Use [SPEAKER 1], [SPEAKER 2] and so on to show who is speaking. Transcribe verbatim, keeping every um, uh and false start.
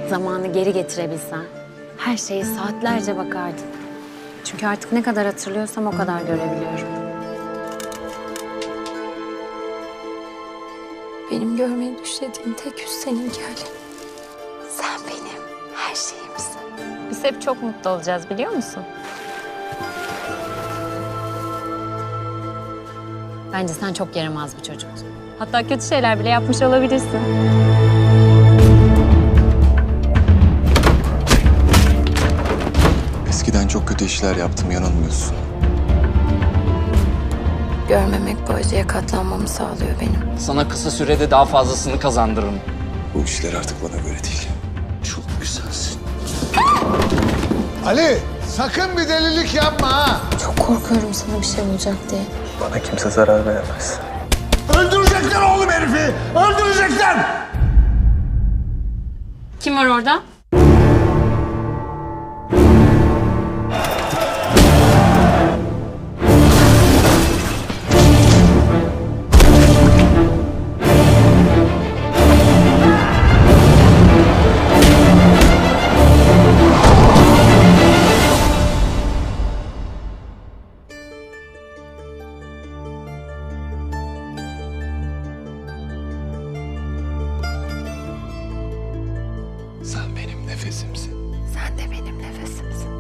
[SPEAKER 1] Zamanı geri getirebilsen her şeye saatlerce bakardın. Çünkü artık ne kadar hatırlıyorsam o kadar görebiliyorum.
[SPEAKER 2] Benim görmeyi düşlediğim tek yüz seninki Ali. Sen benim her şeyimsin.
[SPEAKER 1] Biz hep çok mutlu olacağız biliyor musun? Bence sen çok yaramaz bir çocuktun. Hatta kötü şeyler bile yapmış olabilirsin.
[SPEAKER 3] Eskiden çok kötü işler yaptım, yanılmıyorsun.
[SPEAKER 2] Görmemek bu acıya katlanmamı sağlıyor benim.
[SPEAKER 4] Sana kısa sürede daha fazlasını kazandırırım.
[SPEAKER 3] Bu işler artık bana göre değil. Çok güzelsin.
[SPEAKER 5] Ali, sakın bir delilik yapma ha.
[SPEAKER 2] Çok korkuyorum sana bir şey olacak diye.
[SPEAKER 3] Bana kimse zarar veremez.
[SPEAKER 5] Öldürecekler oğlum herifi, öldürecekler.
[SPEAKER 1] Kim var orada?
[SPEAKER 3] Sen benim nefesimsin.
[SPEAKER 2] Sen de benim nefesimsin.